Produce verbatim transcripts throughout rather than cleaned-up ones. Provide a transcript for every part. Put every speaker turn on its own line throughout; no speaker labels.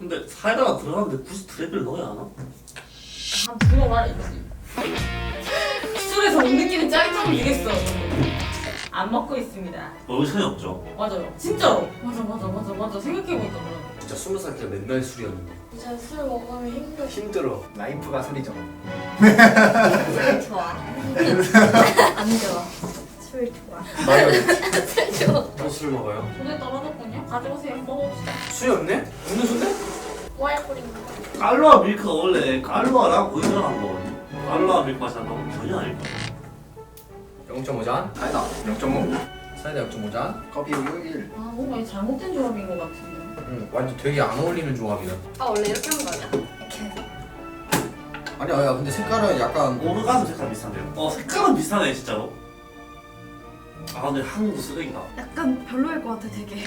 근데 사이다가 들어가는데 굳이 드랩을 넣어야 하나?
한 두어 말해 이거지. 술에서 못 느끼는 짜릿함을 주겠어. 안 먹고 있습니다.
얼굴 차이 없죠?
맞아요. 진짜로. 맞아 맞아 맞아 맞아. 생각해보니까 그래.
진짜 스무 살 때 맨날 술이었는데
이제 술 먹으면 힘들어.
힘들어. 라이프가 술이죠.
술 좋아. 안 좋아. 술 좋아.
맞아.
술 좋아.
또 술 먹어요?
돈에 떨어졌군요. 가져오세요. 먹어봅시다.
술이 없네? 음료수인데?
와인 뿌린 거.
깔루아 밀크가 원래 깔루아랑 고유자랑 거거든요. 깔루아 밀크 맛이 난다고? 전혀 아닐 거야.
영 점 오 잔? 사이다 영 점 오. 사이다 영 점 오 잔. 커피 우유 일.
아 뭔가 이 잘못된 조합인 것 같은데.
응, 완전 되게 안 어울리는 조합이다.
아 원래 이렇게 하는 거 아니야? 이렇게 해서.
아니야, 야, 근데 색깔은 약간
오르가즘 색깔 비슷한데요? 어 색깔은 비슷하네 진짜로. 아 근데 한국 쓰레기다.
약간 별로일 것 같아 되게.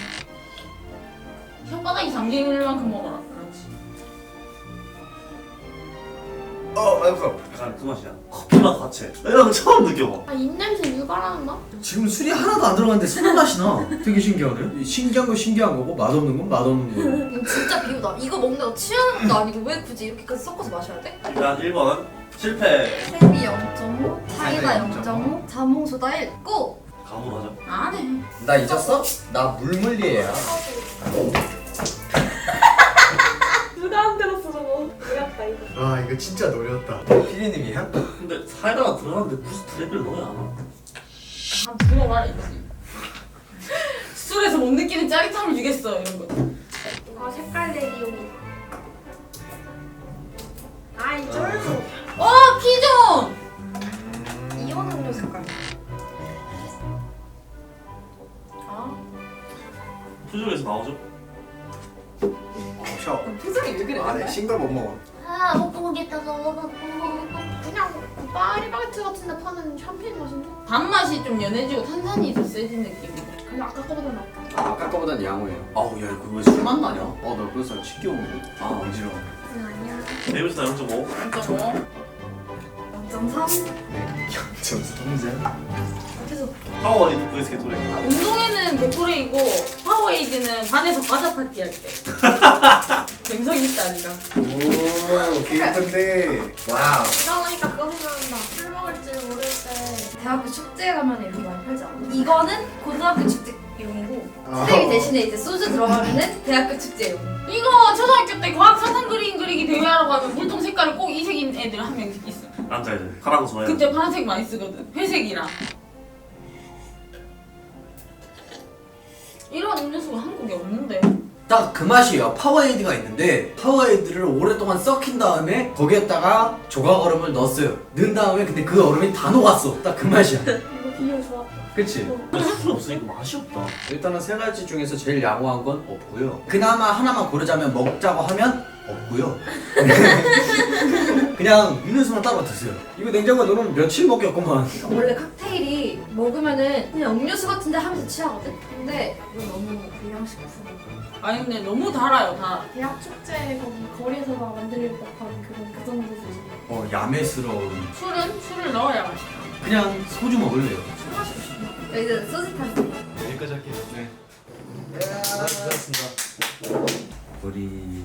혓바닥이 잠길 만큼 먹어라. 그렇지.
어, 맛없어.
약간 그 맛이야. 커피맛 같이. 이런 거 처음 느껴봐.
아 입냄새 유발하는 맛?
지금 술이 하나도 안 들어갔는데 술 맛이 나. 되게 신기하네. 신기한 건 신기한 거고 맛없는 건 맛없는 거고.
이거 진짜 비우다. 이거 먹는다고 취하는 것도 아니고 왜 굳이 이렇게까지 섞어서 마셔야 돼?
일단 일 번 실패.
세비 영 점 오, 사이다 영 점 오, 자몽소다 일, 고!
가물하죠.
안 해.
나 잊었어? 나 물물리에야.
누가 안 들었어 저거. 놀랐다 이거.
와, 이거 진짜 노렸다. 피디님이야?
근데 사이다가 들어가는데 굳이 드랩을 넣어야 하나?
한 두어 말해 이거지. 술에서 못 느끼는 짜릿함을 주겠어 이런 거.
이거 색깔 내기용이. 아이 쩔고.
어 피존.
이온 음료 색깔.
아
표정에서 나오죠?
셔.
표정이 왜 그래?
아, 내 싱글 못 먹어.
아 먹고 먹겠다 저거 먹고 그냥 파리바게트 같은데 파는 샴페인 맛인데?
단맛이 좀 연해지고 탄산이 더 세진 느낌이고.
근데 아까 거보다 낫다.
아, 아까 거보단 양호해요. 아우, 야, 이거 왜 술맛 나냐? 아, 나 그래서 신기했는데. 아, 어지러워.
응 아니야.
데이비스다 영 점 오.
진짜 뭐?
영 점 삼.
점 삼 잔.
계속
파워리 브이에스 게토레.
운동회는 게토레이고 파워에이드는 반에서 과자 파티 할 때. 갬성이 있다 니가.
오, 기쁜데. 와우.
이러니까 그거 생각난다. 술 먹을 줄 모를 때 대학교 축제에 가면 이렇게 많이 팔지 않아? 이거는 고등학교 축제용이고 쓰레기 대신에 이제 소주 들어가면은 대학교 축제용.
이거 초등학교 때 과학 사상 그림 그리기 대회하러 가면 물통 색깔이 꼭 이색인 애들 한 명씩 있어.
남자애들. 파란 거 좋아해.
그때 파란색 많이 쓰거든. 회색이랑. 이런 음료수가 한국에 없는데.
딱 그 맛이에요. 파워에이드가 있는데 파워에이드를 오랫동안 썩힌 다음에 거기에다가 조각 얼음을 넣었어요. 넣은 다음에 근데 그 얼음이 다 녹았어. 딱 그 맛이야.
이거 비율 좋았다.
그치?
근데 술 없으니까 맛이 없다.
일단은 세 가지 중에서 제일 양호한 건 없고요. 그나마 하나만 고르자면 먹자고 하면 없고요. 그냥 음료수만 따로 드세요. 이거 냉장고에 넣으면 며칠 먹겠구만.
원래 칵테일이 먹으면은 그냥 음료수 같은데 하면서 취하거든? 근데 이거 너무 불량식품.
아니 근데 너무 달아요 다.
대학 축제 거기 거리에서 막 만들 법한 그런 그 정도 수준.
어, 야매스러운.
술은 술을 넣어야 맛있다.
그냥 소주 먹을래요.
술 마시고 싶나? 여기서 소주 타세요.
여기까지 할게요. 네. 고맙습니다. 보리.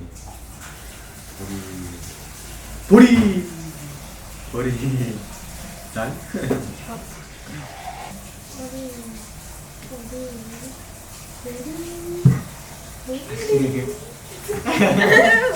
보리. 보리. 보리. 난?
우리 우리 우리